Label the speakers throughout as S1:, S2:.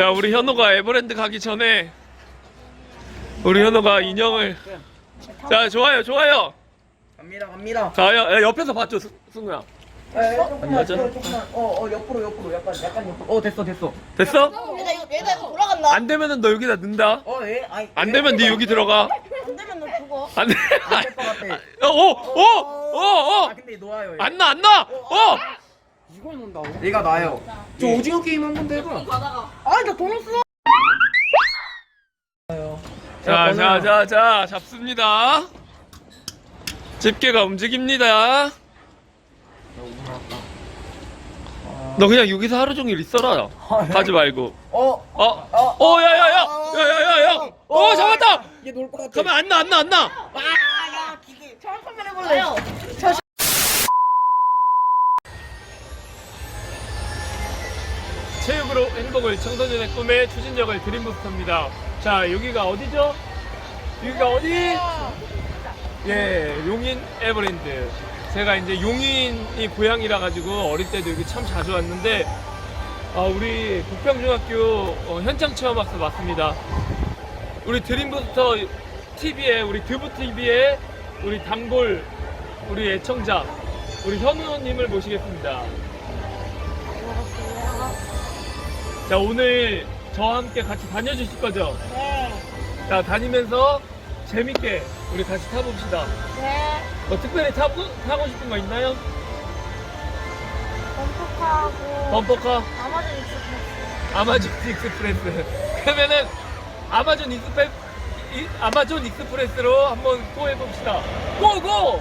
S1: 자, 우리 현호가 에버랜드 가기 전에 우리 현호가 인형을. 자, 좋아요, 좋아요.
S2: 갑니다.
S1: 자, 야, 옆에서 봤죠, 승우야?
S2: 조금만,
S1: 맞아?
S2: 조금만. 옆으로. 약간 옆으로. 됐어.
S1: 됐어?
S3: 얘가 이거 돌아간다.
S1: 안 되면은 너 여기다 넣는다.
S2: 예? 아니.
S1: 안 되면 네 여기 들어가.
S3: 안 되면 너 죽어.
S1: 안 돼.
S2: 안될 것 같아.
S1: 오.
S2: 근데 놓아요. 얘.
S1: 안 나.
S4: 이걸 논다고?
S2: 얘가 나요.
S4: 저 오징어 게임 한 번 더 해봐.
S2: 나돈 없어.
S1: 자, 잡습니다. 집게가 움직입니다. 너 그냥 여기서 하루 종일 있어라. 가지 말고. 야야야. 잡았다.
S2: 얘 놀 것 같아.
S1: 가면 안 나.
S2: 야, 기계. 한번 해볼래.
S1: 체육으로 행복을, 청소년의 꿈에 추진력을, 드림부스터입니다. 자, 여기가 어디죠? 여기가 어디? 예, 용인 에버랜드. 제가 이제 용인이 고향이라 가지고 어릴 때도 여기 참 자주 왔는데, 우리 북평중학교 현장 체험학습 왔습니다. 우리 드림부스터 TV에, 우리 드부 TV에 우리 단골, 우리 애청자, 우리 현우님을 모시겠습니다. 자, 오늘 저와 함께 같이 다녀주실 거죠?
S3: 네.
S1: 자, 다니면서 재밌게 우리 같이 타봅시다.
S3: 네.
S1: 뭐 특별히 타고 싶은 거 있나요?
S3: 범퍼카하고
S1: 범퍼카?
S3: 아마존 익스프레스.
S1: 아마존 익스프레스. 그러면은 아마존 익스프레스로 한번 또 해봅시다. 고고!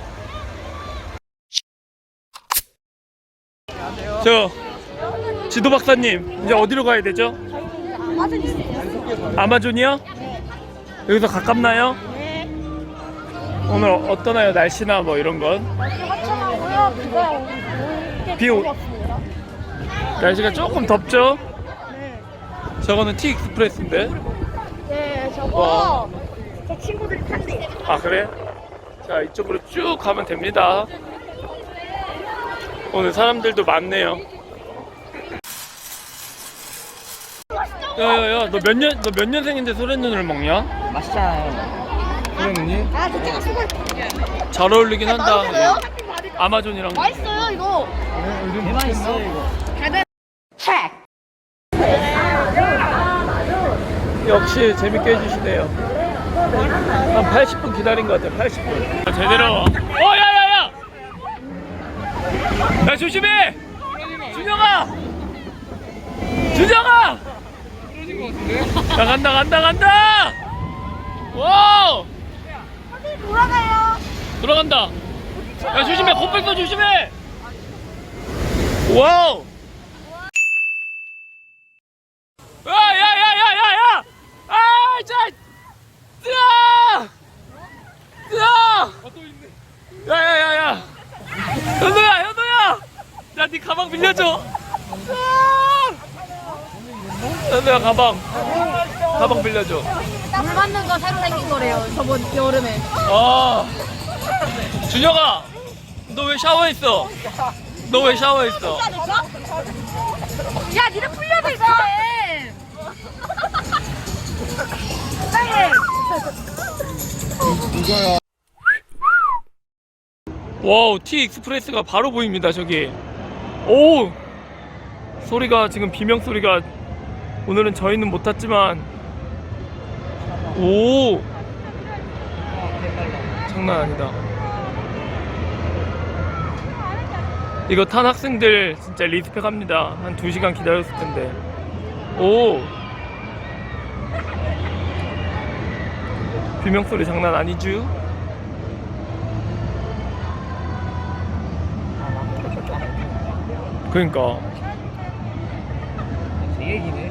S1: 저 지도 박사님, 이제 어디로 가야 되죠?
S3: 아마존 익스프레스.
S1: 아마존이요? 여기서 가깝나요?
S3: 네.
S1: 오늘 어떠나요? 날씨나 뭐 이런 건?
S3: 날씨 화창하고요. 비가 올때
S1: 비 오-
S3: 왔습니다.
S1: 날씨가 조금 덥죠?
S3: 네.
S1: 저거는 T 익스프레스인데.
S3: 네, 저거 제 친구들이 탄대.
S1: 아, 그래? 자, 이쪽으로 쭉 가면 됩니다. 오늘 사람들도 많네요. 야야야, 너 몇 년생인데 소래눈을 먹냐?
S2: 맛있잖아요.
S1: 소래눈이?
S3: 아, 진짜 수고.
S1: 잘 어울리긴 한다.
S3: 맛있어요?
S1: 아마존이랑.
S3: 맛있어요, 이거.
S2: 대맛있어 이거.
S1: 역시 재밌게 해주시네요. 한 80분 기다린 것 같아요. 80분. 제대로. 야야야! 야, 조심해! 준영아! 야, 간다! 와우!
S3: 돌아가요.
S1: 들어간다. 야, 조심해! 코뿔소 조심해! 와우! 야야야야야야! 야야야야! 현우야! 야, 네 가방 빌려줘! 현우야, 가방 빌려줘.
S3: 물 받는 거 새로 생긴 거래요, 저번 여름에.
S1: 준혁아! 너 왜 샤워했어?
S3: 야, 니네 풀려서 이상해. 이상해.
S1: 와우, T 익스프레스가 바로 보입니다. 저기. 오! 소리가 지금 비명 소리가, 오늘은 저희는 못 탔지만, 오! 장난 아니다. 이거 탄 학생들 진짜 리스펙합니다. 한 2시간 기다렸을 텐데. 오! 비명 소리 장난 아니죠? 그러니까.
S2: 제 얘기네.